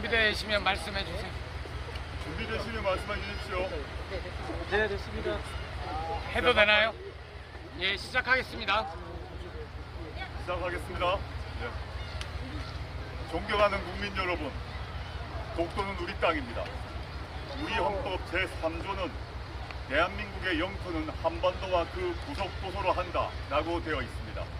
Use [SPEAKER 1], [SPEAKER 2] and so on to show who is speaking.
[SPEAKER 1] 준비되시면 말씀해 주세요.
[SPEAKER 2] 준비되시면 말씀해 주십시오.
[SPEAKER 3] 네, 됐습니다.
[SPEAKER 1] 해도 되나요? 예, 시작하겠습니다.
[SPEAKER 2] 시작하겠습니다. 네. 존경하는 국민 여러분, 독도는 우리 땅입니다. 우리 헌법 제3조는 대한민국의 영토는 한반도와 그 부속 도서로 한다라고 되어 있습니다.